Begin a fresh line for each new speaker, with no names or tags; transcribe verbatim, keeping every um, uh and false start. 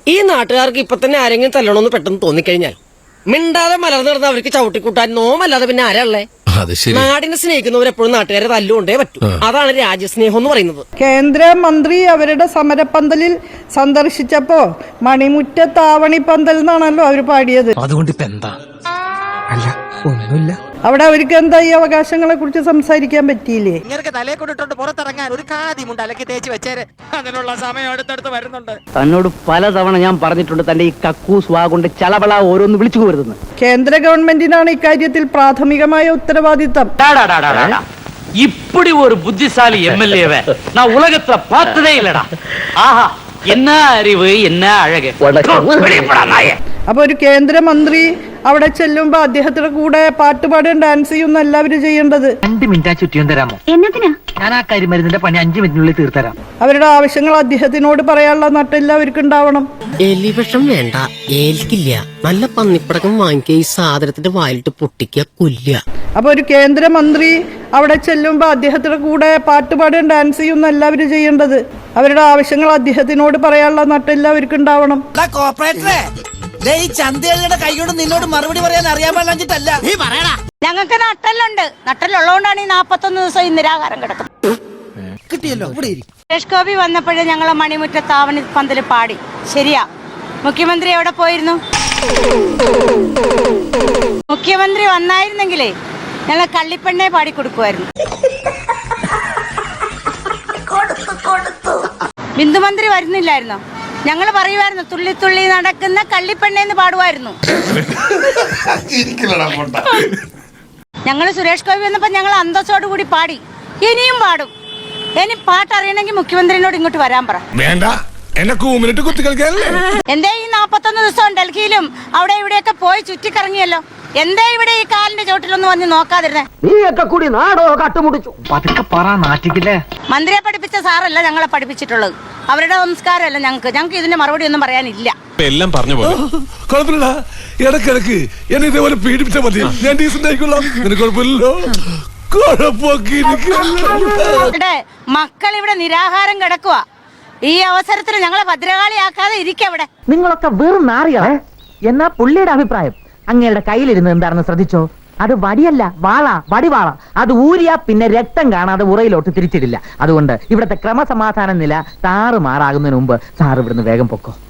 ഈ നാട്ടുകാർക്ക് ഇപ്പൊ തന്നെ ആരെങ്കിലും തല്ലണമെന്ന് പെട്ടെന്ന് തോന്നിക്കഴിഞ്ഞാൽ മിണ്ടാതെ മലർന്നു നടന്ന് അവർക്ക് ചവിട്ടിക്കൂട്ടാൻ നോമല്ലാതെ പിന്നെ ആരല്ലേ? നാടിനെ സ്നേഹിക്കുന്നവരെപ്പോഴും നാട്ടുകാരെ തല്ലുകൊണ്ടേ പറ്റൂ. അതാണ് രാജ്യസ്നേഹം എന്ന് പറയുന്നത്.
കേന്ദ്രമന്ത്രി അവരുടെ സമരപ്പന്തലിൽ സന്ദർശിച്ചപ്പോ മണിമുറ്റത്താവണി പന്തൽ എന്നാണല്ലോ അവര് പാടിയത്.
അതുകൊണ്ട് ഇപ്പൊ എന്താ? അല്ല ഒന്നുമില്ല.
അവിടെ അവർക്ക് എന്താ ഈ അവകാശങ്ങളെ കുറിച്ച് സംസാരിക്കാൻ പറ്റിയില്ലേ?
ഇങ്ങനെ തലയെ കൊണ്ടിട്ടുണ്ട് പുറത്തിറങ്ങാൻ ഒരു കാതി മുണ്ട് അലക്കി തേച്ച് വെച്ചേര്. അതിനുള്ള സമയം അടുത്തടുത്ത് വരുന്നുണ്ട്.
തന്നോട് പലതവണ ഞാൻ പറഞ്ഞിട്ടുണ്ട് തന്റെ ഈ കക്കൂസ് വാ കൊണ്ട് ചളവള ഓരോന്ന് വിളിച്ചു പോരുതെന്ന്.
കേന്ദ്ര ഗവൺമെന്റിനാണ് ഇക്കാര്യത്തിൽ പ്രാഥമികമായ ഉത്തരവാദിത്തം.
ഇപ്പടി ഒരു ബുദ്ധിശാലി എം എൽ എ நான் உலகத்துல பார்த்ததே இல்லடா. ஆஹா என்ன அறிவு என்ன அழகு.
അപ്പൊ ഒരു കേന്ദ്രമന്ത്രി അവിടെ ചെല്ലുമ്പോ അദ്ദേഹത്തിന്റെ കൂടെ പാട്ടുപാടും ഡാൻസ് ചെയ്യുന്ന എല്ലാവരും ചെയ്യേണ്ടത്.
രണ്ട് മിനിറ്റ് ചുറ്റിയും തരാമോ?
എന്നതിനാ?
ഞാൻ ആ കരിമരുന്നിന്റെ പണി അഞ്ചു മിനിറ്റിനുള്ളിൽ തീർത്തരാം.
അവരുടെ ആവശ്യങ്ങൾ അദ്ദേഹത്തിനോട് പറയാനുള്ള നട്ടെല്ലാവർക്കും ഉണ്ടാവണം.
എലിവിഷം വേണ്ട, ഏൽക്കില്ല. നല്ല പന്നിപ്പടക്കം വാങ്ങിക്കുക, ഈ സാധനത്തിന്റെ വായിലിട്ട് പൊട്ടിക്കുക, കൊല്ലുക.
അപ്പൊ ഒരു കേന്ദ്രമന്ത്രി അവിടെ ചെല്ലുമ്പോ അദ്ദേഹത്തിന്റെ കൂടെ പാട്ടുപാടും ഡാൻസ് ചെയ്യുന്ന എല്ലാവരും ചെയ്യേണ്ടത്. അവരുടെ ആവശ്യങ്ങൾ അദ്ദേഹത്തിനോട് പറയാനുള്ള നട്ടെല്ലാവർക്കും ഉണ്ടാവണം.
ചന്തയുടെ കൈകൊണ്ട് നിന്നോട് മറുപടി പറയാൻ അറിയാൻ പാടില്ല. നീ പറയടാ.
ഞങ്ങൾക്ക് നട്ടലുണ്ട്. നട്ടലുള്ളതുകൊണ്ടാണ് ഈ നാപ്പത്തൊന്ന് ദിവസം ഈ നിരാഹാരം കിടക്കുന്നത്.
കിട്ടിയല്ലോ.
സുരേഷ് ഗോപി വന്നപ്പോഴേ ഞങ്ങളെ മണിമുറ്റത്താവണി പന്തല് പാടി. ശരിയാ. മുഖ്യമന്ത്രി എവിടെ പോയിരുന്നു? മുഖ്യമന്ത്രി വന്നായിരുന്നെങ്കിലേ ഞങ്ങൾ കള്ളിപ്പെണ്ണെ പാടി കൊടുക്കുമായിരുന്നു. ബിന്ദുമന്ത്രി വരുന്നില്ലായിരുന്നോ? ഞങ്ങൾ പറയുമായിരുന്നു തുള്ളി തുള്ളി നടക്കുന്ന കള്ളിപ്പെണ്ണേന്ന് പാടുമായിരുന്നു. ഞങ്ങൾ സുരേഷ് ഗോപി വന്നപ്പോ ഞങ്ങൾ അന്തസ്സോട് കൂടി പാടി. ഇനിയും പാടും. ഇനി പാട്ടറിയണമെങ്കിൽ മുഖ്യമന്ത്രിനോട് ഇങ്ങോട്ട് വരാൻ പറ. എന്തേ ഈ നാപ്പത്തൊന്ന് ദിവസം ഡൽഹിയിലും അവിടെ ഇവിടെയൊക്കെ പോയി ചുറ്റിക്കറങ്ങിയല്ലോ. എന്തേ ഇവിടെ ഈ കാലിന്റെ ചോട്ടിലൊന്നും വന്ന് നോക്കാതിരുന്നേ?
നീയൊക്കെ കൂടി നാടോ കാട്ടുമുടിച്ചു. പതുക്കെ പറ, നാട്ടിക്കില്ലേ.
മന്ത്രിയെ പഠിപ്പിച്ച സാറല്ല ഞങ്ങളെ പഠിപ്പിച്ചിട്ടുള്ളത്. അവരുടെ സംസ്കാരമല്ല ഞങ്ങൾക്ക്. ഞങ്ങൾക്ക് ഇതിന്റെ മറുപടി ഒന്നും പറയാനില്ല.
എല്ലാം പറഞ്ഞു പോലെ കുഴപ്പമില്ല. ഇടക്കിടക്ക് എന്നെ ഇതേപോലെ പീഡിപ്പിച്ചാൽ മതി. ഞാൻ ഡീസന്റ് ആയിക്കൊള്ളാം. നിനക്ക് കുഴപ്പമില്ലല്ലോ.
മക്കൾ ഇവിടെ നിരാഹാരം കിടക്കുക. ഈ അവസരത്തിൽ ഞങ്ങളെ ഭദ്രകാളിയാക്കാതെ ഇരിക്കവിടെ.
നിങ്ങളൊക്കെ വെറും നാറികളെ. എന്നാ പുള്ളിയുടെ അഭിപ്രായം അങ്ങയുടെ കയ്യിലിരുന്ന് എന്താണെന്ന് ശ്രദ്ധിച്ചോ? അത് വടിയല്ല, വാള, വടിവാള. അത് ഊരിയാ പിന്നെ രക്തം കാണാതെ ഉറയിലോട്ട് തിരിച്ചിടില്ല. അതുകൊണ്ട് ഇവിടുത്തെ ക്രമസമാധാന നില താറുമാറാകുന്നതിന് മുമ്പ് സാർ ഇവിടുന്ന് വേഗം പൊക്കോ.